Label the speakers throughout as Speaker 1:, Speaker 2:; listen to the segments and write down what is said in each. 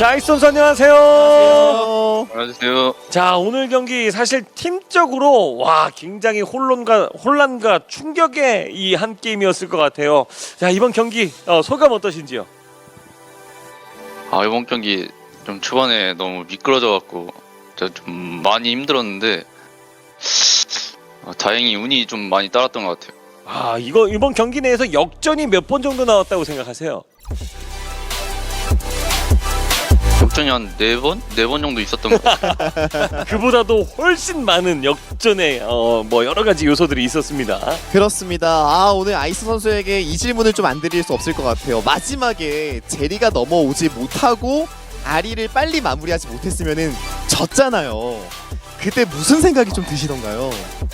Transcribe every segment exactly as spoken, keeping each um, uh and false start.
Speaker 1: 자, 아이스 선수 안녕하세요.
Speaker 2: 안녕하세요.
Speaker 3: 안녕하세요.
Speaker 1: 자, 오늘 경기 사실 팀적으로 와 굉장히 혼란과 혼란과 충격의 이 한 게임이었을 것 같아요. 자, 이번 경기 어, 소감 어떠신지요?
Speaker 3: 아, 이번 경기 좀 초반에 너무 미끄러져갖고 제가 좀 많이 힘들었는데 아, 다행히 운이 좀 많이 따랐던 것 같아요.
Speaker 1: 아, 이거 이번 경기 내에서 역전이 몇 번 정도 나왔다고 생각하세요?
Speaker 3: 역전이 한 네 번? 네 번 정도 있었던 것 같아요.
Speaker 1: 그보다도 훨씬 많은 역전의 어, 뭐 여러 가지 요소들이 있었습니다.
Speaker 2: 그렇습니다. 아, 오늘 아이스 선수에게 이 질문을 좀 안 드릴 수 없을 것 같아요. 마지막에 제리가 넘어오지 못하고 아리를 빨리 마무리하지 못했으면은 졌잖아요. 그때 무슨 생각이 좀 드시던가요?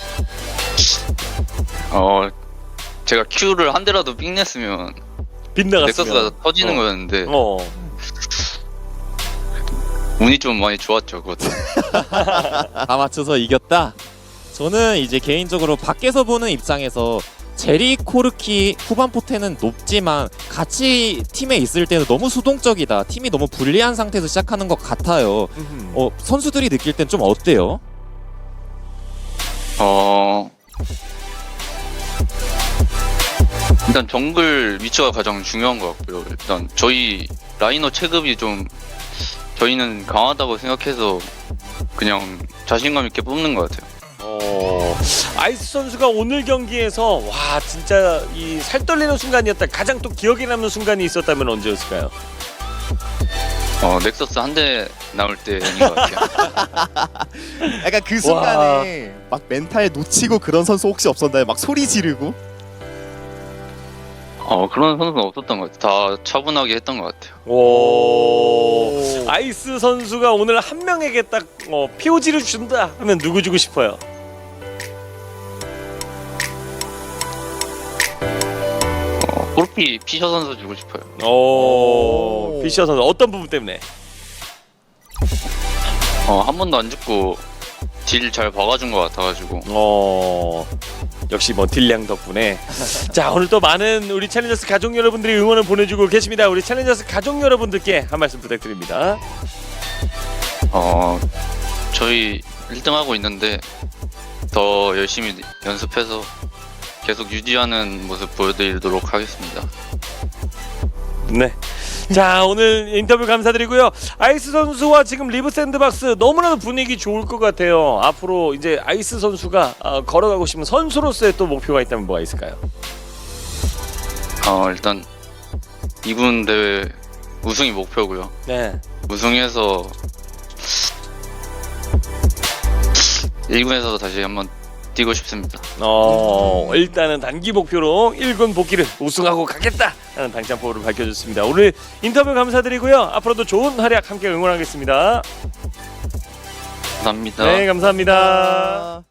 Speaker 3: 어, 제가 Q를 한 대라도 삥 냈으면
Speaker 1: 빗나갔으면
Speaker 3: 넥서스가 터지는
Speaker 1: 어.
Speaker 3: 거였는데
Speaker 1: 어.
Speaker 3: 운이 좀 많이 좋았죠, 그것도.
Speaker 4: 다 맞춰서 이겼다. 저는 이제 개인적으로 밖에서 보는 입장에서 제리 코르키 후반 포텐은 높지만 같이 팀에 있을 때는 너무 수동적이다. 팀이 너무 불리한 상태에서 시작하는 것 같아요.
Speaker 1: 음.
Speaker 4: 어, 선수들이 느낄 땐 좀 어때요?
Speaker 3: 어, 일단 정글 위치가 가장 중요한 것 같고요. 일단 저희 라이너 체급이 좀 저희는 강하다고 생각해서 그냥 자신감 있게 뽑는 것 같아요.
Speaker 1: 어, 아이스 선수가 오늘 경기에서 와 진짜 이 살떨리는 순간이었다. 가장 또 기억에 남는 순간이 있었다면 언제였을까요?
Speaker 3: 어, 넥서스 한 대 나올 때인 것 같아요.
Speaker 2: 약간 그 순간에 막 멘탈 놓치고 그런 선수 혹시 없었나요? 막 소리 지르고?
Speaker 3: 어, 그런 선수는 없었던 것 같아요. 다 차분하게 했던 것 같아요.
Speaker 1: 오, 아이스 선수가 오늘 한 명에게 딱 어, 피오지를 준다 하면 누구 주고 싶어요?
Speaker 3: 어, 골키 피셔 선수 주고 싶어요.
Speaker 1: 오,
Speaker 2: 오.
Speaker 1: 피셔 선수 어떤 부분 때문에?
Speaker 3: 어, 한 번도 안 죽고 딜 잘 박아준 것 같아가지고.
Speaker 1: 어, 역시 뭐 딜량 덕분에. 자, 오늘 또 많은 우리 챌린저스 가족 여러분들이 응원을 보내주고 계십니다. 우리 챌린저스 가족 여러분들께 한 말씀 부탁드립니다.
Speaker 3: 어, 저희 일 등 하고 있는데 더 열심히 연습해서 계속 유지하는 모습 보여드리도록 하겠습니다.
Speaker 1: 네. 자, 오늘 인터뷰 감사드리고요. 아이스 선수와 지금 리브 샌드박스 너무나도 분위기 좋을 것 같아요. 앞으로 이제 아이스 선수가 어, 걸어가고 싶은 선수로서의 또 목표가 있다면 뭐가 있을까요?
Speaker 3: 어, 일단 이 군 대회 우승이 목표고요.
Speaker 1: 네.
Speaker 3: 우승해서 일 군에서 다시 한번 뛰고 싶습니다.
Speaker 1: 어, 일단은 단기 목표로 일 군 복귀를 우승하고 가겠다라는 당찬포를 밝혀줬습니다. 오늘 인터뷰 감사드리고요. 앞으로도 좋은 활약 함께 응원하겠습니다.
Speaker 3: 감사합니다.
Speaker 1: 네, 감사합니다.